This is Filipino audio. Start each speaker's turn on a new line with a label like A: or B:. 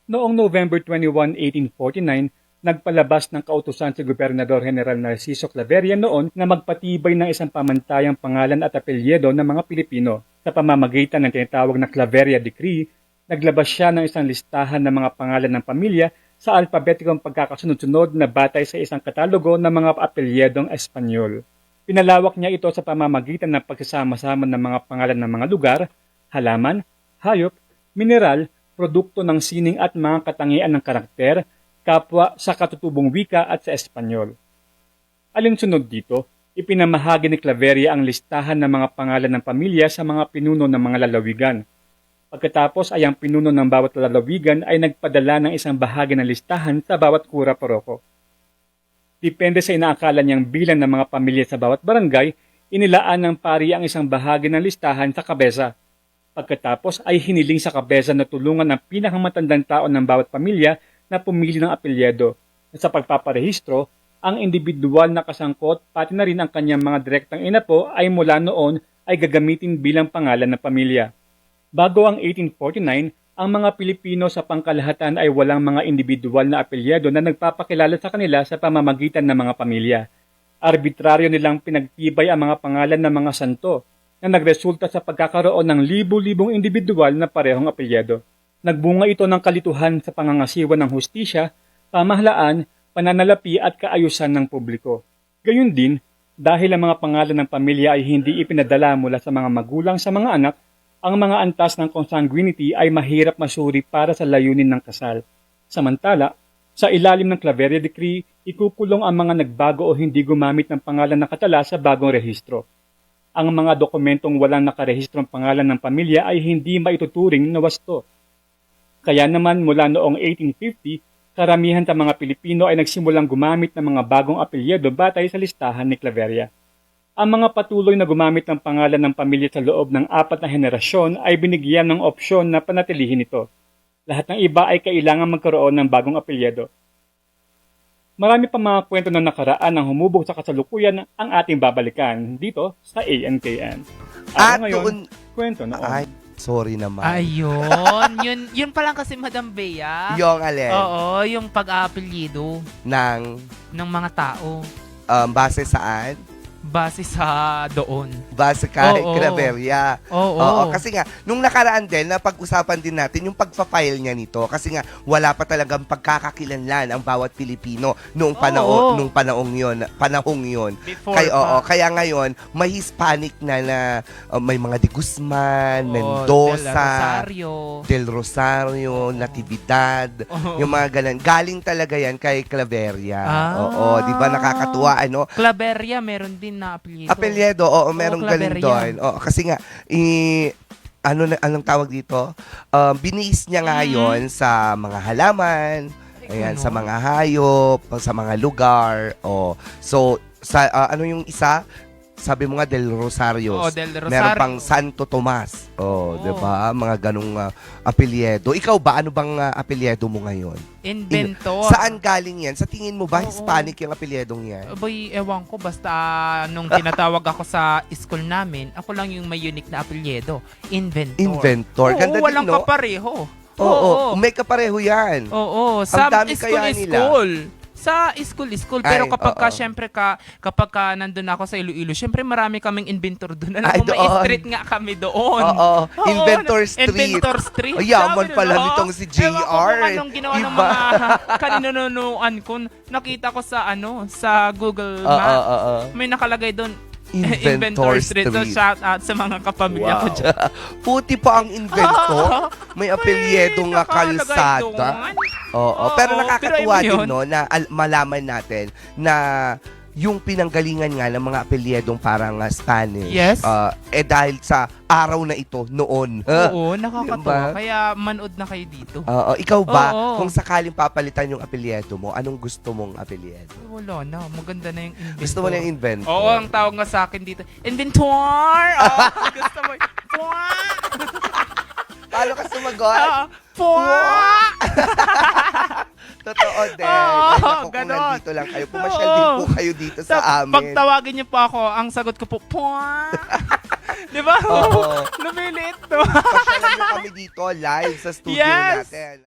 A: Noong November 21, 1849, nagpalabas ng kautusan si Gobernador General Narciso Claveria noon na magpatibay ng isang pamantayang pangalan at apelyido ng mga Pilipino. Sa pamamagitan ng tinatawag na Claveria Decree, naglabas siya ng isang listahan ng mga pangalan ng pamilya sa alpabetikong pagkakasunod-sunod na batay sa isang katalogo ng mga apelyedong Espanyol. Pinalawak niya ito sa pamamagitan ng pagsasama-sama ng mga pangalan ng mga lugar, halaman, hayop, mineral, produkto ng sining at mga katangian ng karakter, kapwa sa katutubong wika at sa Espanyol. Alinsunod dito, ipinamahagi ni Claveria ang listahan ng mga pangalan ng pamilya sa mga pinuno ng mga lalawigan. Pagkatapos ay ang pinuno ng bawat lalawigan ay nagpadala ng isang bahagi ng listahan sa bawat kura paroko. Depende sa inaakala niyang bilang ng mga pamilya sa bawat barangay, inilaan ng pari ang isang bahagi ng listahan sa kabesa. Pagkatapos ay hiniling sa kabesa na tulungan ang pinakamatandang tao ng bawat pamilya na pumili ng apelyido. Sa pagpaparehistro, ang individual na kasangkot pati na rin ang kanyang mga direktang inapo ay mula noon ay gagamitin bilang pangalan ng pamilya. Bago ang 1849, ang mga Pilipino sa pangkalahatan ay walang mga individual na apelyido na nagpapakilala sa kanila sa pamamagitan ng mga pamilya. Arbitraryo nilang pinagtibay ang mga pangalan ng mga santo na nagresulta sa pagkakaroon ng libu-libong individual na parehong apelyido. Nagbunga ito ng kalituhan sa pangangasiwa ng hustisya, pamahalaan, pananalapi at kaayusan ng publiko. Gayun din, dahil ang mga pangalan ng pamilya ay hindi ipinadala mula sa mga magulang sa mga anak, ang mga antas ng consanguinity ay mahirap masuri para sa layunin ng kasal. Samantala, sa ilalim ng Claveria Decree, ikukulong ang mga nagbago o hindi gumamit ng pangalan na katala sa bagong rehistro. Ang mga dokumentong walang nakarehistrong pangalan ng pamilya ay hindi maituturing na wasto. Kaya naman mula noong 1850, karamihan sa mga Pilipino ay nagsimulang gumamit ng mga bagong apelyido batay sa listahan ni Claveria. Ang mga patuloy na gumamit ng pangalan ng pamilya sa loob ng 4 na henerasyon ay binigyan ng opsyon na panatilihin ito. Lahat ng iba ay kailangan magkaroon ng bagong apelyido. Marami pa mga kwento na nakaraan ang humubog sa kasalukuyan ang ating babalikan dito sa ANKN.
B: At
A: Ngayon, kwento noon.
B: Ay, sorry naman.
C: Ayun. yun pa lang kasi, Madam Bea.
B: Yung alin?
C: Oo, yung pag-aapelyido ng mga tao.
B: Base saan?
C: Base sa doon.
B: Base kay
C: Oo.
B: Claveria.
C: Oo.
B: Kasi nga, nung nakaraan din, napag-usapan din natin yung pagpa-file niya nito. Kasi nga, wala pa talagang pagkakakilanlan ang bawat Pilipino noong panahong yun.
C: Before
B: Kaya ngayon, may Hispanic na may mga de Guzman,
C: Oo,
B: Mendoza,
C: Del Rosario.
B: Del Rosario, Natividad,
C: Oo.
B: yung mga ganun. Galing talaga yan kay Claveria.
C: Ah.
B: Oo, di ba nakakatuwa, ano?
C: Claveria, meron din na apelyido.
B: Apelyido, oo, merong galing
C: Claveria.
B: doon. Oo, kasi nga, anong tawag dito? Biniis niya nga yun sa mga halaman, ayan,
C: Ano?
B: sa mga hayop, sa mga lugar. Oh. So, ano yung isa? Sabi mo nga, Del Rosario.
C: Oo, Del Rosario.
B: Meron pang Santo Tomas. Oh,
C: Oo.
B: 'di ba? Mga ganung apelyido. Ikaw ba, ano bang apelyido mo ngayon?
C: Inventor.
B: Saan galing yan? Sa tingin mo ba,
C: Oo.
B: Hispanic yung apelyedong yan?
C: Boy, ewan ko. Basta nung tinatawag ako sa school namin, ako lang yung may unique na apelyido. Inventor.
B: Inventor.
C: Oo,
B: Ganda
C: walang
B: din, no?
C: kapareho.
B: Oo. May kapareho yan.
C: Oo, sa
B: dami kaya nila.
C: Sa school. Pero
B: Ay,
C: kapag
B: oo.
C: syempre kapag nandun ako sa Iloilo, syempre marami kaming inventor doon. Alam
B: Ay,
C: mo, may
B: doon.
C: street nga kami doon.
B: Oo. Inventor Street.
C: Inventor Street.
B: Yaman
C: Sabi
B: pala
C: nila,
B: nitong si
C: ewan ko
B: JR.
C: kung anong ginawa ng
B: Iba.
C: mga kaninunuan ko. Nakita ko sa sa Google
B: Oo,
C: Maps.
B: oo.
C: May nakalagay doon,
B: Inventor
C: Street. So,
B: Street.
C: shout out sa mga kapamilya ko dyan.
B: Puti pa ang inventor. May apelyido nga
C: nakalagay
B: kalsada.
C: doon.
B: Oo. Pero
C: Oo,
B: nakakatuwa
C: pero
B: din,
C: yun.
B: no, na malaman natin na yung pinanggalingan nga ng mga apelyedong parang Spanish.
C: Yes.
B: Dahil sa araw na ito noon.
C: Oo, nakakatuwa.
B: Diba?
C: Kaya manood na kayo dito.
B: Ikaw ba,
C: Oo.
B: kung sakaling papalitan yung apelyido mo, anong gusto mong apelyido?
C: Wala na. Maganda na yung inventor.
B: Gusto mo na yung inventor?
C: Oo, ang tawag nga sa akin dito, inventor! Oo, gusto mo. Pwa!
B: Paano ka sumagot?
C: Oo, pwa!
B: Totoo din.
C: Oo,
B: Ay, naku, kung
C: ganon.
B: nandito lang kayo, pumasyal din po kayo dito sa amin.
C: Pag tawagin niyo po ako, ang sagot ko po, pwa! Di ba?
B: Oo.
C: Lumiliit to.
B: Pasyalan mo kami dito live sa studio
C: Yes.
B: natin.